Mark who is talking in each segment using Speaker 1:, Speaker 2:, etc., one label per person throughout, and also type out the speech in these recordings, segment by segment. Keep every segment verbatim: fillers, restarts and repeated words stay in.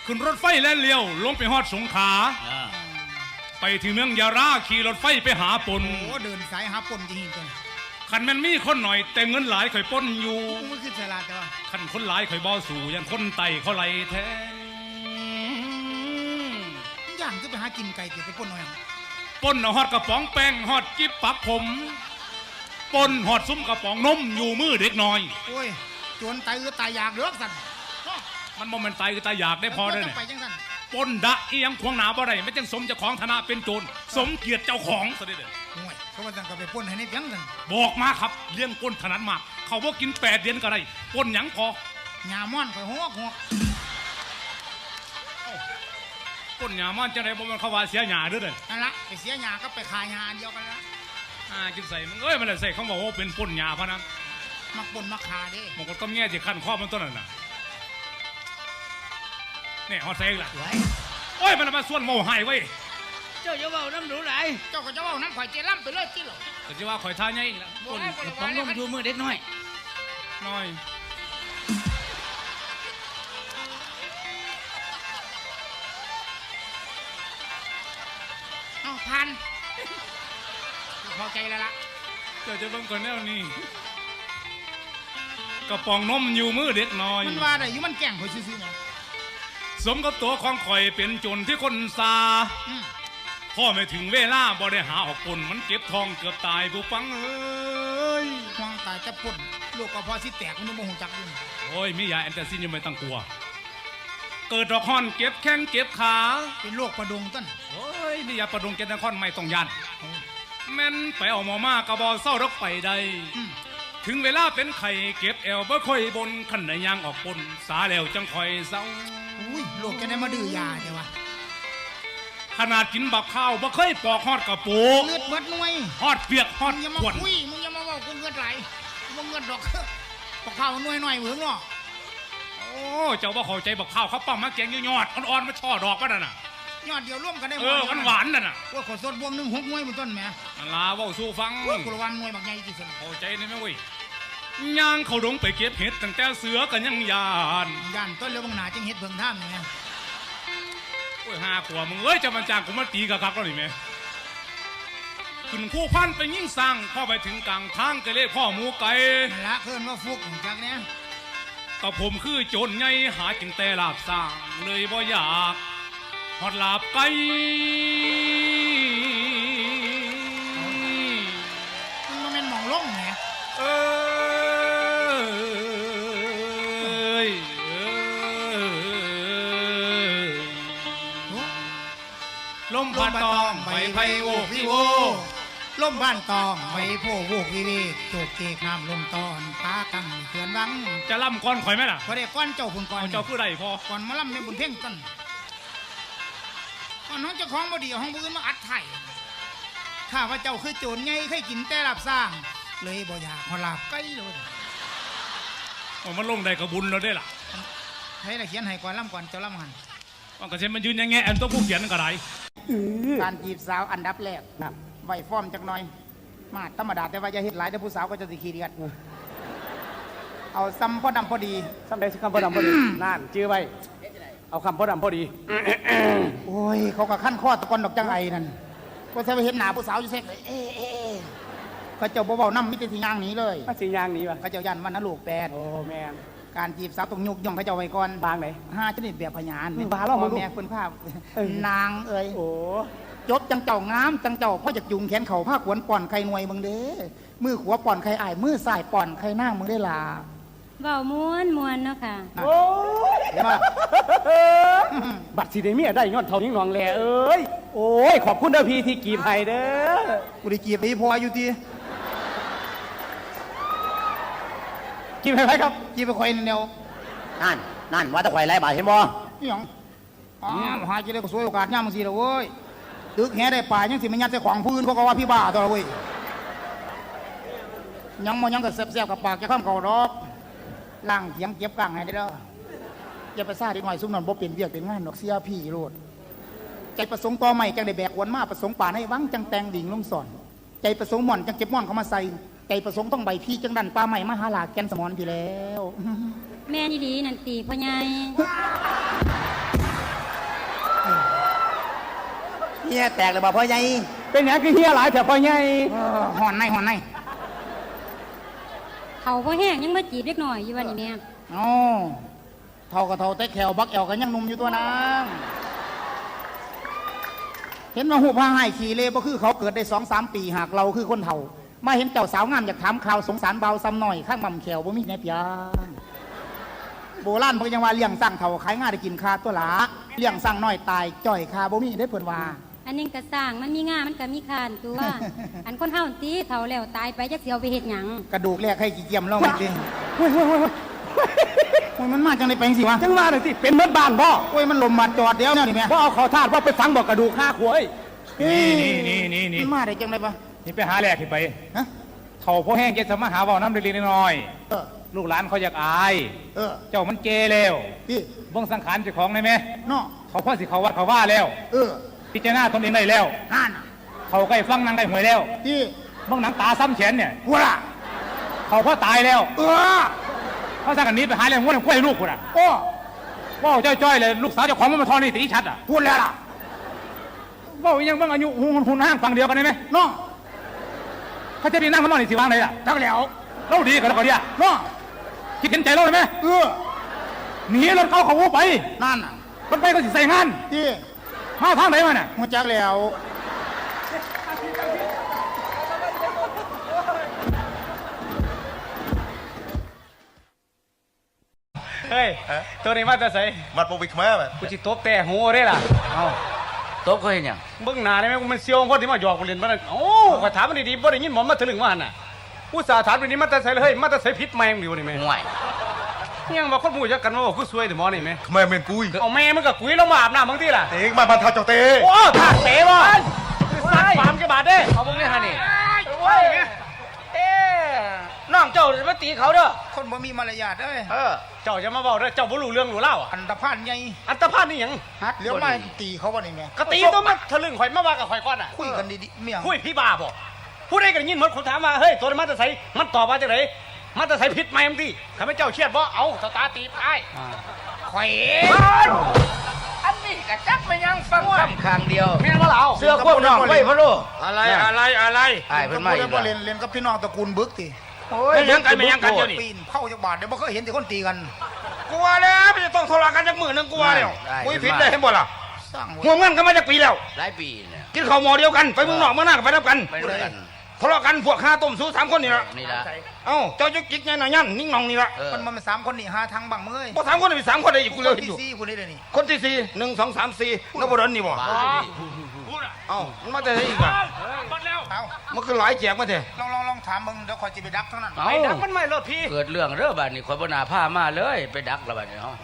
Speaker 1: ขึ้นรถไฟและเลี้ยวลงไปฮอดสงขลาไปถึงเมืองยาราขี่รถไฟไปหาปน
Speaker 2: โอ้เดินสายหาปนจริงๆจัง
Speaker 1: ขันแมันมีคนหน่อยแต่เงินหลายข่อยปนอยู่
Speaker 2: มันคือฉลาดแต่ว่า
Speaker 1: ขันคนหลายข่อยบ่สู่ยันคนไต่เขาไหลแท้
Speaker 2: ย่างจะไปหากินไก่เก็บไปปนหน่อย
Speaker 1: ปนเอาฮอดกระป๋องแป้งฮอดจิ๊บปักผมปนฮอดซุ้มกระป๋องนมอยู่มือเด็กน้อย
Speaker 2: โอ้ยจวนตายคือตายอยากเลือกสัน
Speaker 1: มันบ่แม่นตายคือตายอยากได้พอได้เนี่ยปนดะอีหยังขวางหนาบ่ได้ไม่จังสมเจ้าของฐานะเป็นโจรสมเกียรติเจ้าของซะเด้อ
Speaker 2: โอ้ยเขาว่าจังก็ไปปนให้ในเพียงกัน
Speaker 1: บอกมาครับเรื่องปนถนัดมากเขาบ่กินแปดเดือนก็ได้ปนหยังพอ
Speaker 2: หญ้าม่อนข่อยหอกหอก
Speaker 1: ปนหญ้าม่อนจังได๋บ่แม่นเขาว่าเสียหญ้าเด้อเด้อ
Speaker 2: นั่นล่ะไปเสียหญ้าก็ไปขายหญ้าอันเดียวกันละ
Speaker 1: อ่ากินใส่มึงเอ้ยมันเลยใส่เขาบอกว่าเป็นปนหญ้าพะนะ
Speaker 2: มักปนมักขาเด้
Speaker 1: มันก็ต้องแง่สิคั่นคอมันต้นนั่นน่ะนี่ฮอดใส่ล่ะโอ้ยมันมาส่วนโมหายเว้ย
Speaker 3: เจ้าอย่าเว้าน้ำหนูไหล
Speaker 2: เจ้าก็จะเว้าน้ำข่อยเจล่ำไปเลยที่หรอ
Speaker 1: ก็จะว่าข่อยท่าใหญ่ละ
Speaker 3: คนของนมอยู่มือเด็กน้อย
Speaker 1: น้อย
Speaker 2: เอาพันพอใจแล้วล่ะ
Speaker 1: เจ้าจะเบิ่งก่อนแนวนี้กระป๋องนมอยู่มือเด็กน้อย
Speaker 2: มันว่าได้อยู่มันแก่งข่อยซื่อๆไง
Speaker 1: สมกับตัวของข่อยเป็นจนที่คนซาพ่อไม่ถึงเวลาบ่ได้หาออกปนมันเก็บทองเกือบตายผู้ฟังเอ้ย
Speaker 2: ทองตายจะปนลูกก็พอสิแตกมันบ่ฮู้จักอยู่
Speaker 1: โอ้ยมียาแอนตาซินยังไม่ต้องกลัวเกิดดอกฮอนเก็บแข้งเก็บขา
Speaker 2: เป็นโรคประดงต้น
Speaker 1: โอ้ยนี่ยาประดงเก็บนครไม่ต้องยันแม่นไปเอาหมอมากระบอเศร้ารักไปได้ถึงเวลาเป็นไข่เก็บแอวบ่ค่อยบนขันไหนยางออกปนสาแล้วจังค่อยเศร้า
Speaker 2: อุ้ยโลกจะได้มาดื้อยาเดี๋ยววะ
Speaker 1: ขนาดกินบักข้าวบ่เคยปอกฮอดกระปู
Speaker 2: เลือดเบิดหน่วย
Speaker 1: ฮอดเปียกฮอด
Speaker 2: ขวดอุ้ยมึงอย่ามาบอกกูเงินไหลมึงเงินดอกบักข้าวหน่วยหน่อยเหมือนเนาะ
Speaker 1: โอ้เจ้าบ่เข้าใจบักข้าวเขาปั้มมาแกงยอดอ่อนๆมาช่อดอกมันน่ะ
Speaker 2: ยอดเดียวร่วมกันได้
Speaker 1: เออหวานๆนั่นน่ะ
Speaker 2: ว่าขอสดบวมหนึ่งหกหน่วยบนต้นแม่
Speaker 1: อันลาเว้าสู้ฟัง
Speaker 2: กูระวังหน่วยบักใหญ่ที่สุด
Speaker 1: เข้าใจได้ไหมเว้ยย่างเขาดงไปเก็บเห็ดตั้งแต่เสือกันยังยาน
Speaker 2: ยานต้นเลี้ยวบางนาจังเห็ดเบิ่งท่ามไง
Speaker 1: โอ้ยห้าขวบมึงเอ้ยจะมันจางกูมาตีกับคักแล้วนี่แม่ขึ้นคู่พันไปยิ่งสั่งเข้าไปถึงกลางทางก็เรียกพ่อหมูไก่
Speaker 2: ละเพื่อนว่าฟุกจากเนี้ย
Speaker 1: กับผมคือโจรไงหาจึงแต่ลาบสร้างเลยบ่อยากหอดลาบไก่
Speaker 2: มันมันเป็นหมองล่งไง
Speaker 1: เออลมพัดตองใบไผ่โวกวิโว
Speaker 2: ลมบ้านตองใบโพโวกวิเวกโจกเกกน้ำลมตอนปากังเขื่อนวัง
Speaker 1: จะล่ำก้อนข่อยไหมล่ะ
Speaker 2: พอได้ก้อนเจ้าคุณก้อน
Speaker 1: เจ้าผู้ใดพอ
Speaker 2: ก้อนมาล่ำในบุญเพ่งต้นก้อนน้องเจ้าของบดีห้องบุญมาอัดไถ่ข้าพระเจ้าคือโจรไงเคยกินแต่ลาบสร้างเลยบ่อยากขอลาบไก่เลย
Speaker 1: มันลงได้กับบุญเราได้ล่ะ
Speaker 2: ให้ละเขียนให้ก่อนล่ำก่อนเจ้าล่ำหัน
Speaker 1: ว่ากระเซ็นมันยืนยังไงอันตัวผู้เขียนก็ได้
Speaker 2: การจีบสาวอันดับแรกไหวฟอร์มจักหน่อยมาธรรมดาแต่ว่าจะเห็ดหลายแต่ผู้สาวก็จะติขี้เดียดเอาซ้ำพอดำพอดี
Speaker 3: ซ้ำได้คำพอดำพอดีนั่นจื้อไว้เอาคำพอดำพอดี
Speaker 2: โอ้ยเขาก็ขั้นข้อตะกอนดอกจังไอนั่นก็ใช้ไปเห็นหนาผู้สาวอยู่เซ็กเลยเอ๊ะเอ๊ะเขาเจ้าเบาๆน้ำมิตรสีย่างนี้เลย
Speaker 3: สีย่างนี้วะ
Speaker 2: เขาเจ้ายันวันนลูกแปด
Speaker 3: โอ้แม่
Speaker 2: การจีบสาวต้องยุกย่องเขาเจ้าไว้ก่อน
Speaker 3: บางไหน
Speaker 2: ห้าชนิดแบบพยาน
Speaker 3: บาล่อมา
Speaker 2: แม่คนภาพนางเอ้ย
Speaker 3: โอ้
Speaker 2: จบจังเจ้างามจังเจ้าพ่อจากยุงแขนเข่าผ้าขวนป่อนไข่หน่วยมึงเด้มือขวาป่อนไข่อ้ายมือซ้ายป่อนไข่หน้ามึงได้ลา
Speaker 4: เบาม้วนม้วนเนาะค่ะ
Speaker 3: โอ้บัตรสีเดเมียได้ย้อนเท่านี้งองแหล่เอ้ยโอ้ยขอบคุณเด้อพี่ที่กีบให้เด้อ
Speaker 2: กูได้กีบไปพออยู่ที
Speaker 3: กีบให้ไหมครับ
Speaker 2: กีบไปคอยแนว
Speaker 3: นั่นนั่นว่าตะไคร้ไรบาทเห็นบ่
Speaker 2: นี่หยังอ๋อหาจะได้ก็สวยโอกาสย่ามึงสิละเว้ยตึกแห่ได้ป่ายังสิไม่ยัดใส่ของพื้นเขาก็ว่าพี่บ้าตัวละเว้ยยังมันยังก็แซ่บๆกับปากจะข้ามเก่าดอกล่างเถียงเก็บกลางให้ได้แล้วอย่าไปซ่าดีหน่อยซุ่มนอนบ่เป็นเวียกเป็นงานดอกเสียพี่โลดใจประสงค์ต่อใหม่จังได้แบกวนมาประสงค์ป่าให้วังจังแตงดิ่งลงสอนใจประสงค์หม่อนจังเก็บม่อนเขามาใส่ใจประสงค์ต้องใบพี่จังดันปลาใหม่มาหาหลาแกนสมอนพี่แล้ว
Speaker 4: แม่ดีๆนั่นตีพ่อใหญ่
Speaker 2: มียแตกเลยบ่พ่อใหญ่
Speaker 3: เป็นหยังคือเฮียหลายแถวพ่อใหญ่
Speaker 2: เออห่อนในห่อนใน
Speaker 4: เขาบ่แห้งยังมาจีบเล็กหน่อยอยู่วันนี้แม่
Speaker 2: อ๋อเท่ากับเท่าแต่แขวบักแอวกันยังหนุ่มอยู่ตัวนางเห็นว่าหูพาให้ขี่เล่บ่คือเขาเกิดได้สองสามปีหากเราคือคนเฒ่า มาเห็นเจ้าสาวงามอยากถามข่าวสงสารเบาซ้ำหน่อยข้างบ่ำแขวบ่มีแม่เปียงโบราณเพิ่นยังว่าเลี้ยงสร้างเฒ่าขายง่ายได้กินคาตัวหลาเลี้ยงสร้างน้อยตายจ่อยคาบ่มีได้เพิ่นว่า
Speaker 4: อันนึงก็สร้างมันมีงามันก็มีคานตัว อันคนเฮาตีเฒ่าแล้วตายไปจักสิเอาไปเฮ็ดหยัง
Speaker 2: กระดูกแรกให้กี่เกียมเล่ามันดิ
Speaker 3: เฮ้ยเฮ้ยเฮ้ยเฮ้ย
Speaker 2: โอ้ยมันมาจังได๋ไปจังซี่วะ
Speaker 3: จังว่าเลยสิเป็นเมื่อบ้านบ่
Speaker 2: โอ้ยมันลมมาจอดเดียวเนี่ยนี่แม่
Speaker 3: บ่เอาเขาทาดว่าไปฟังบอกกระดูกห้าขวย
Speaker 1: นี่นี่นี่นี่
Speaker 2: มันมาได้จังได๋ปะ
Speaker 1: นี่ไปหาแหลกที่ไป
Speaker 2: ฮะ
Speaker 1: เท่าพ่อแห้งเจ็ดสมาหาเบาน้ำเล็กๆน้อย
Speaker 2: เออ
Speaker 1: ๆลูกหลานเขาอยากอาย
Speaker 2: เออ
Speaker 1: เจ้ามันเกแล้ว
Speaker 2: พี่
Speaker 1: เบิ่งสังขารเจ้าของได้ไหม
Speaker 2: เนาะ
Speaker 1: เขาพ่อสิเขาวัดเขาว่าแล้ว
Speaker 2: เออ
Speaker 1: พิจารณาตนเองได้แล้ว
Speaker 2: ห่านน่ะ
Speaker 1: เขาใกล้ฟังนางได้หวยแล้ว
Speaker 2: พี่
Speaker 1: เบิ่งหนังตาซ้ำแขนเนี่ย
Speaker 2: หัวล่ะ
Speaker 1: เขาพ่อตายแล้ว
Speaker 2: เออ
Speaker 1: เขาสั่งกันนี้ไปหาเรื่องงวดของกล้วยลูกคุณอ่ะ
Speaker 2: โอ้
Speaker 1: ว่าจ้อยๆเลยลูกสาวเจ้าของมันมาทอนนี่ตีชัดอ่ะ
Speaker 2: พูดแล้วล่ะ
Speaker 1: ว่ายังเบิ่งอายุหุ่นหุ่นห้างฟังเดียวกันได้ไหม
Speaker 2: เนาะ
Speaker 1: เขาจะดีนั่งข้างนอกนี่สิวางไหนล่ะ
Speaker 2: จักแล้ว
Speaker 1: เล่าดีกันแล้วก็เดีย
Speaker 2: เนาะ
Speaker 1: คิดเห็นใจเราเลยไหม
Speaker 2: เออ
Speaker 1: หนีรถเขาเขาวูไป
Speaker 2: นั่นน่ะ
Speaker 1: มันไปก็สิใส่งาน
Speaker 2: พี่
Speaker 1: มาทางไหนมาน่ะ
Speaker 2: หัวจักแล้ว
Speaker 1: เฮ้ยตัวนี้มาจะใส่
Speaker 5: มัดโปวิกมาแบบ
Speaker 1: กูจิตบแต่หูได้ล่ะเอา
Speaker 6: ตบเขาเห็นยัง
Speaker 1: เบิ่งหน้าได้ไหมกูมันเซียวคนที่มาหยอกกูเล่นมาโอ้ก็ถามมันดีๆบ่ได้ยินหมอมาถึงว่าหั่นน่ะผู้สาถามแบบนี้มาแต่ใส่เลยเฮ้ยมาแต่ใส่พิษแมงอยู่นี่แม่
Speaker 6: ห่วย
Speaker 1: ยังว่าคนหมู่จักกันว่ากูซวยแต่หมอนี่แม่
Speaker 5: ขมาเมนกุย
Speaker 1: เอาแม่มันก็กุยลงมาอาบน้ำบางทีล่ะ
Speaker 5: เต็งมาพันทาเจ้าเตะ
Speaker 1: โอ้ถากเตะบ่สัตว์ฟาร์มกี่บาทเด้
Speaker 6: เขาบอกนี่ฮะนี่
Speaker 1: โอ้ยแม่
Speaker 6: เอ๊น้องเจ้าจะมาตีเขาเด้อ
Speaker 2: คนบ่มีมารยาทเด้ย
Speaker 6: เออ
Speaker 1: เจ้าจะมาบอกเด้อเจ้าบ่รู้เรื่องรู้เล่าอ่ะ
Speaker 2: อันตรพานใหญ่
Speaker 1: อันตรพานนี่หยัง
Speaker 2: ฮัดเลี้ยวมาตีเขาบ่นี่แม่
Speaker 1: กะตีตัวมันทะลึ่งข่อยมาว่ากับข่อยก่อนน่ะ
Speaker 2: คุยกันดีๆเมี่ยง
Speaker 1: คุยพี่บ้าบ่ผู้ใดก็ได้ยินหมดคนถามว่าเฮ้ยตัวนี้มาแต่ไสมันตอบว่าจังไดมาแต่ไสผิดไหมมึงติข้าพเจ้าเครียดบ่เอาสตาร์ตีบอ้าย
Speaker 2: ข่อย
Speaker 6: อันนี้กะจักไม่ยังฟังคำข้างเดียว
Speaker 1: แม่นบ่ล่ะเอา
Speaker 6: เสื้อควบน้องไว้พะโล
Speaker 5: อะไรอะไรอะไร
Speaker 6: ไอ้เพิ่นมาอีก
Speaker 2: บ่
Speaker 6: แล้ว
Speaker 2: เล่นเล่นกับพี่น้องตระกูลบึกติ
Speaker 6: โอ้ย
Speaker 5: ไม่ยังกันไม่ยังกันเดี๋ยวนี้
Speaker 2: ปีนเข้าจักบาทเดี๋ยวบ่เคยเห็นแต่คนตีกัน
Speaker 5: กลัวแล้วไม่จะต้องทะเลาะกันจักมือนึงกลัวแล้วกุยผิดได้เห็นบ่ล่ะ
Speaker 2: สร้าง
Speaker 5: หัวเงินกันมาจากปีแล้ว
Speaker 6: หลายปีเนี่ย
Speaker 5: กินข้าวหม้อเดียวกันไปเมืองนอกเมืองหน้าก็ไปนับกัน
Speaker 6: ไปด้วยกัน
Speaker 5: ทะเลาะกันพวกข้าต้มสู้สามคนนี่ละ
Speaker 6: นี่ละ
Speaker 5: เอ้าเจ้าจุกจิกไงหน่อยยันนิ่งนองนี่ละ
Speaker 6: เออ
Speaker 2: มันมันสามคนนี่หาทางบังเมื่อย
Speaker 5: พอสามคนนี่สามคนได้อีกกูเลย
Speaker 2: ที่
Speaker 5: อยู่
Speaker 2: สี่คนนี้เลยนี่
Speaker 5: คนที่สี่หนึ่งสองสามสี่นบดลนี่บ่
Speaker 6: บ้า
Speaker 5: เอ้ามันมาแต่ไหนอีกอ่ะ
Speaker 2: เอา
Speaker 5: มันคือหลายแจกมาเถอะ
Speaker 2: ลองลองลองถามมึงเดี๋ยวคอยจะไปดักเท่านั้น
Speaker 6: เอา
Speaker 1: ไอ้ดักมันไม่รถพี่
Speaker 6: เกิดเรื่องเด้อบ้านนี้ข่อยบ่น่าพามาเลยไปดักแล้วบ้านนี้เฮา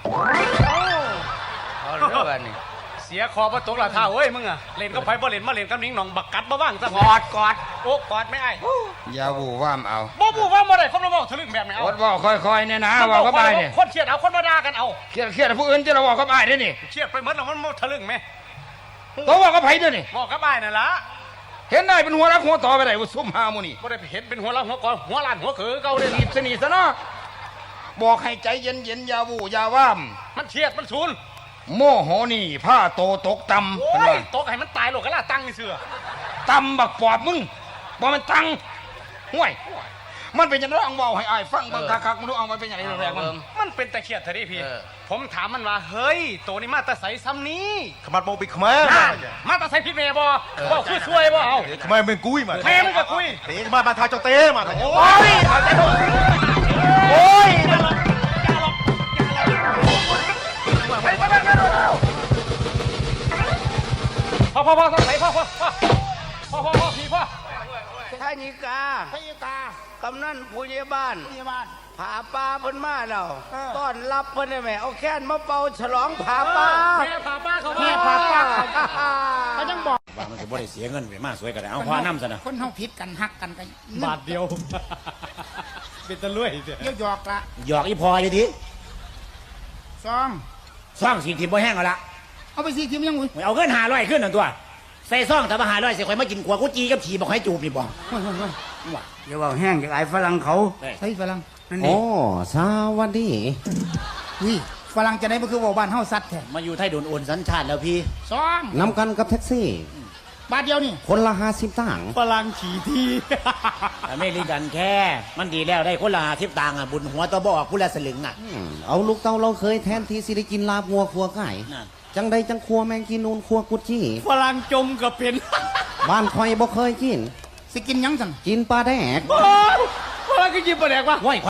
Speaker 6: เอาเด้อบ้านนี้
Speaker 1: เสียคอบ่ตกละท่าเว้ยมึงอ่ะเล่นกับไผบ่เล่นมาเล่นกับนิ้งหนองบักกัดบ่ว่างซะกอดกอดโอ้กอดไม่ไอ้
Speaker 5: อย่าบูว่ามเอา
Speaker 1: บ่บูว่าบ่ได้คนมาบอกทะลึ่งแบบนี้เอา
Speaker 5: อดบอกค่อยๆเนี่ยนะว่าเขาไปเนี่ย
Speaker 1: คนเครียดเอาคนมาด่ากันเอา
Speaker 5: เครียดเครียดผู้อื่นจะเราบอกเขาไปได้นี่
Speaker 1: เครียดไปหมดแล้วมันบ่ทะลึ่งแม่
Speaker 5: ตัวบอกเขาไปด้วยนี่
Speaker 1: บอกกับอ้ายนั่นล่ะ
Speaker 5: เห็นได้เป็นหัวรักหัวต่อไปไหนว่าซุ่มหามูนี่
Speaker 1: บ่ได้เห็นเป็นหัวเราะหัวกอหัวล้านหัวเขือเก่าเลย
Speaker 5: รีบสนิทซะเนาะบอกให้ใจเย็นเย็นๆอย่าวูอย่าว่าม
Speaker 1: มันเครียดมันศูนย์
Speaker 5: โมโหนี่ผ้าโตตกต่ำ
Speaker 1: โอ้
Speaker 5: เป็น
Speaker 1: ย
Speaker 5: ว่า
Speaker 1: ตกให้มันตายโลกกันล่ะตั้งนี่เสือ
Speaker 5: ต่ำบักปอบมึงบอกมันตังห่วยมันเป็นยังไงอังเบาให้อายฟังบางคักๆมันรู้เอามันเป็นยังไงแรงๆมัน
Speaker 1: มันเป็นตะเคียดเถอะดิพี่
Speaker 6: เออ
Speaker 1: ผมถามมันว่าเฮ้ยตัวนี้มาแตะใสซ้ำนี้
Speaker 5: ขมัดโมบิขมา
Speaker 1: มาแตะใสพิษเมย์บ่บ่คือช่วยบ่เอา
Speaker 5: ขมาเป็นกุ้ยมา
Speaker 1: แม่มึงก็คุย
Speaker 5: เตะมามาทาเจ้าเตะมา
Speaker 1: โอ้ย
Speaker 5: โอ้ย
Speaker 1: พอพอพอต้องใส่พอพอพอพอพอพอพี่พอ
Speaker 6: ท่านิกา
Speaker 2: พระยากาก
Speaker 6: ำนันผู้ใหญ่บ้าน
Speaker 2: พยาบาล
Speaker 6: ผาปลาเพิ่นมาแล้ว
Speaker 2: เออ
Speaker 6: ต้อนรับเพิ่นได้ไหมเอาแค้นมาเป่าฉลองผาปลา
Speaker 1: แม่พาป้าเขา
Speaker 2: แม่พาป้าเขายังบอก
Speaker 7: ว่ามันจะบ่ได้เสียเงินไปมาสวยก็ได้เอาพอน้ำซะนะ
Speaker 2: คนเฮาผิดกันฮักกันกัน
Speaker 1: บาทเดียวเป็นตะลุยเสีย
Speaker 2: เยี่ยวหยอกละ
Speaker 7: หยอกอีพออยู่ดิ
Speaker 2: สอง
Speaker 7: ซ่องสีทิมบ่แห้งเอาละ
Speaker 2: เอาไปสิคิมยังอุ้ย
Speaker 7: เอาเงินหาร้อยขึ้นนั่นตัวใส่ซ่องแต่มาหาร้อยเสียข่อยมากินขวกุจีกับฉีบอกให้จูบนี่บ่
Speaker 2: เฮ้ยเฮ้ยเฮ้ย
Speaker 7: ว่า
Speaker 6: อย่าว่าแห้งจากไอ้ฝรั่งเขา
Speaker 2: ใส่ฝรั่ง
Speaker 6: นั่น
Speaker 8: โอ้
Speaker 6: นี่
Speaker 8: สวัสดี
Speaker 2: วิฝรั่งจะได้บ่คือเว่าบ้านเฮาสัตว์แท้
Speaker 7: มาอยู่ไทยโดนโอนสัญชาติแล้วพี่
Speaker 2: สอง
Speaker 8: นำกันกับแท็กซี่
Speaker 2: บาทเดียวนี่
Speaker 8: คนละห้าสิบตังค์
Speaker 3: ฝรั่งขี่ที่
Speaker 7: อเมริกันแค่ มันดีแล้วได้คนละทิพต่างค์อ่ะบุญหัวตัวบอกผู้ละสลึงอ่ะ
Speaker 8: อืมเอาลูกเต้าเราเคยแทนที่สิได้กินลาบงัวครัวไก่
Speaker 7: นั่น
Speaker 8: จังใดจังครัวแมงกินนูนครัวกุดจี้
Speaker 3: ฝรั่งจมก็เป็น
Speaker 8: บ้านคอยบ่เคยกิน
Speaker 2: สิกินหยังสั่น
Speaker 8: กินปลาแดก
Speaker 3: ฝรั่งก็ยิบประแดกว่า
Speaker 7: ว้าย